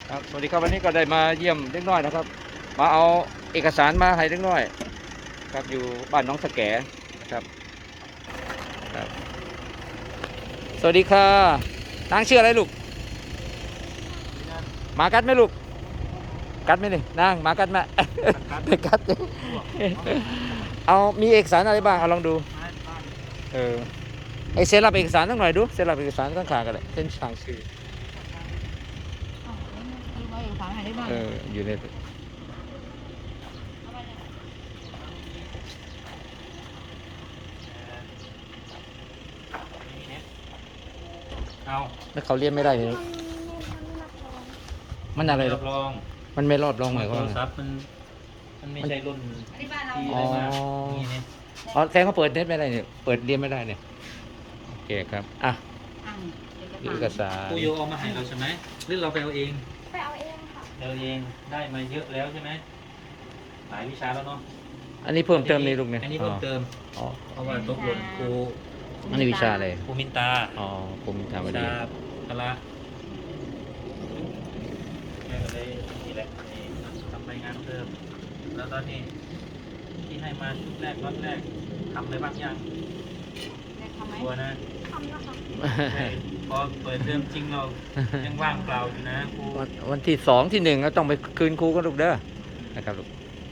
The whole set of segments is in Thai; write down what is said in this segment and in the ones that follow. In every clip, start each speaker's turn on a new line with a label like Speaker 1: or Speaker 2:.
Speaker 1: ครับสวัสดีครับวันนี้ก็ได้มาเยี่ยมเล็กน้อยนะครับมาเอาเอกสารมาให้เล็กน้อยครับอยู่บ้านน้องสะแกนะครับครับสวัสดีค่ะนางชื่ออะไรลูกหมากัดไหมลูกกัดไหมนี่นางหมากัดไหมไม่กัดเอามีเอกสารอะไรบ้างเอาลองดูเออไอเซ็นรับเอกสารตั้งหน่อยดูเซ็นรับเอกสารตั้งขากันเลยเซ็นทางชื่ออยู่ใน
Speaker 2: เอา
Speaker 1: แล้วเขาเรียนไม่ได้เนี่ยมันอะไรหร
Speaker 2: รั
Speaker 1: อบ
Speaker 2: รอง
Speaker 1: มันไม่รอบรองหมายค
Speaker 2: โท
Speaker 1: วาม
Speaker 2: ร
Speaker 1: ว่าไง
Speaker 2: ศัพท์มันไม่ใช่รุ่นที่อะไรมานี่เนี่ย
Speaker 1: อ๋อแสดงเขาเปิดเน็ตไม่ได้เนี่ยเปิดเรียนไม่ได้เนี่ยโอเคครับอ่ะเอกสาร
Speaker 2: ครูโยเอามาให้เราใช่ไหมหรือเราไปเอาเอง
Speaker 3: ไปเอาเองค่ะ
Speaker 2: เอาเองได้มาเยอะแล้วใช่ไหมหลายวิชาแล้วเนาะ
Speaker 1: อันนี้เพิ่มเติมในลูกเนี่ย
Speaker 2: อันนี้เพิ่มเติม
Speaker 1: อ๋อ
Speaker 2: เพราะว่าตกหล่นครู
Speaker 1: อันนี้วิชาอะไร
Speaker 2: ครูมินตา
Speaker 1: อ๋อผมทำมา
Speaker 2: วิ
Speaker 1: ดี
Speaker 2: ชาพละแม่ก็เลยนี่แหละนี่ทำรายงานเพิ่มแล้วตอนนี้ที่ให้มาชุดแรกรอบแรกทำอะไรบ้างยังตัวนะ
Speaker 3: ทำนะคะ
Speaker 2: พอเปิดเทอมจริงเรายังว่างเปล่าอยู่นะครู
Speaker 1: วันที่สองที่หนึ่งก็ต้องไปคืนครูกันลูกเด้อนะครับลูก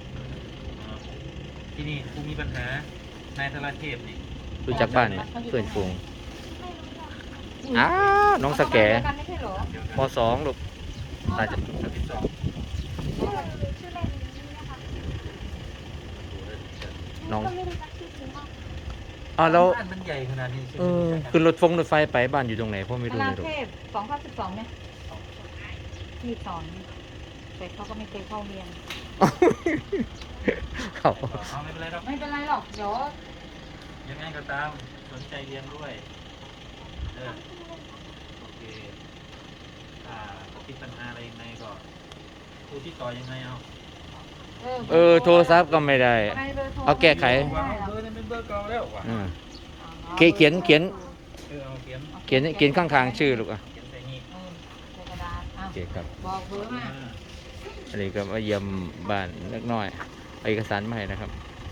Speaker 2: ที่นี่ครูมีปัญหานายธราเทพนี่
Speaker 1: รู้จักบ้านไหมเพื่อนฟูง
Speaker 3: ไม่รู้จักค่ะ
Speaker 1: อ้าวน้องสแก
Speaker 3: กันไม่ใช่เหรอ
Speaker 1: มสองลูกอาจจะ
Speaker 2: ชั้นที่สอง
Speaker 3: ชื่อเล่นนี้นะคะ
Speaker 1: น้อง
Speaker 3: ก็ไม่รู้จักชื่อจริงมาก
Speaker 1: อ๋อแล้ว
Speaker 2: บ้านมันใหญ่ขนาดนี้ใช่ไห
Speaker 1: เอ
Speaker 2: ม
Speaker 1: อคือรถไฟไปบ้านอยู่ตรงไหนพ่อไม่รู้
Speaker 4: นา
Speaker 1: เลยลูก
Speaker 4: เทพ2012เนี่ยที่สอนแต่เขาก็ไม่เคยเข้าเรียน
Speaker 1: เขา
Speaker 2: เอาไม่เป็นไรหรอก
Speaker 4: ไม่เป็นไรหรอก เดี๋ยว
Speaker 2: ยังไงก็ตามสนใจเรียนด้วยเออโอเคถ้าติดปัญหาอะไรยังไงก็ครูที่ต่อยังไงเอา
Speaker 1: โทรศัพท์ก็ไม่ได้ เอาแก้ไข
Speaker 2: วางเบอร์นี่เป็นเบอร์เก่าแล้วว่ะ
Speaker 1: อืมเขียน
Speaker 2: เออเอาเขียน
Speaker 1: เขียนข้างๆชื่อลูกอ่ะ
Speaker 2: เขียนใส่นี่
Speaker 4: ในกระดาษ
Speaker 1: โอเคครับ
Speaker 4: บอกเบอร์มา
Speaker 1: อันนี้ก็มาเยี่ยมบ้านเล็กน้อยเอาเอกสารมาให้นะครับ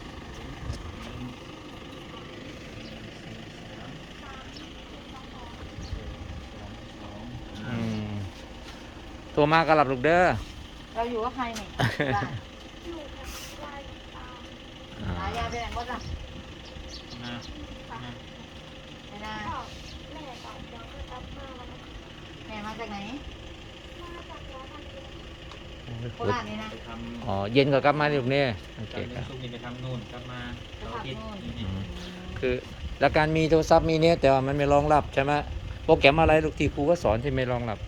Speaker 1: อืมโทรมาก็รับลูกเด้อ
Speaker 4: เราอยู่กับใครนี่บ้าน
Speaker 3: อยู่กับวายตาม
Speaker 1: อ่า
Speaker 4: หายาไปไหนหมดอ่ะ
Speaker 2: นะ
Speaker 3: ค่ะ
Speaker 2: นะ
Speaker 4: ไม่ได้
Speaker 3: ก็แม่ก่อนยังก็รับมาแล้วก็
Speaker 4: แม่มาจากไหน
Speaker 3: มาจากร้านทำเอง
Speaker 4: โคราชนี่นะ
Speaker 2: ไปทำ
Speaker 1: อ๋อเย็นก็กลับมาลูกเนี่ยโอเค
Speaker 2: จาก
Speaker 1: ครับ
Speaker 2: ซุกนี่ไปทำนู่นกลับมาเราอาทิตย์นี่
Speaker 1: อืมคือแล้วการมีโทรศัพท์มีเนี่ยแต่ว่ามันไม่รองรับใช่ไหมโปรแกรมอะไรลูกที่ครูก็สอนที่ไม่รองรับ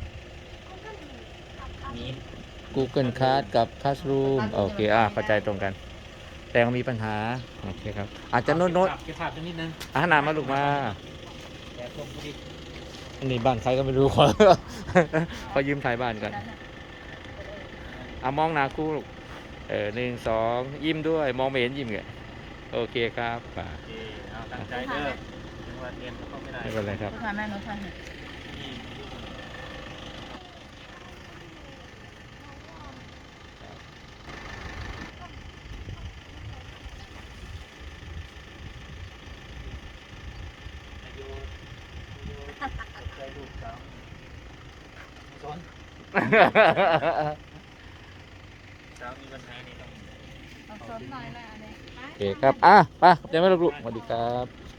Speaker 2: นี่
Speaker 1: Google Class กับ Classroom โอเคเข้าใจตรงกัน แต่ก็มีปัญหาโอเคครับอาจจะโน้ต
Speaker 2: เก็บภาพสักนิดนึง
Speaker 1: อาหารมาลูกมา
Speaker 2: แกะส่งพอดี
Speaker 1: อันนี้บ้านใครก็ไม่รู้ ขอยืมถ่ายบ้านก่อนมองหน้าครูลูก1 2ยิ้มด้วยมองไม่เห็นยิ้มไงโอเคครับป่า
Speaker 2: โอเคเอาตั้งใจเด้อจังหวัดเรียนก็ไม่ได้
Speaker 1: ไม่เป็นไรครับ
Speaker 4: พาแม่หนูทานหน่อย
Speaker 2: นี่อายุใจลูกสาวสอนสาวมีปัญหานี่ต้อง
Speaker 4: เอาสนหน่อยแหละอันนี้
Speaker 1: โอเคครับไปเดี๋ยวไม่ลูกสวัสดีครับ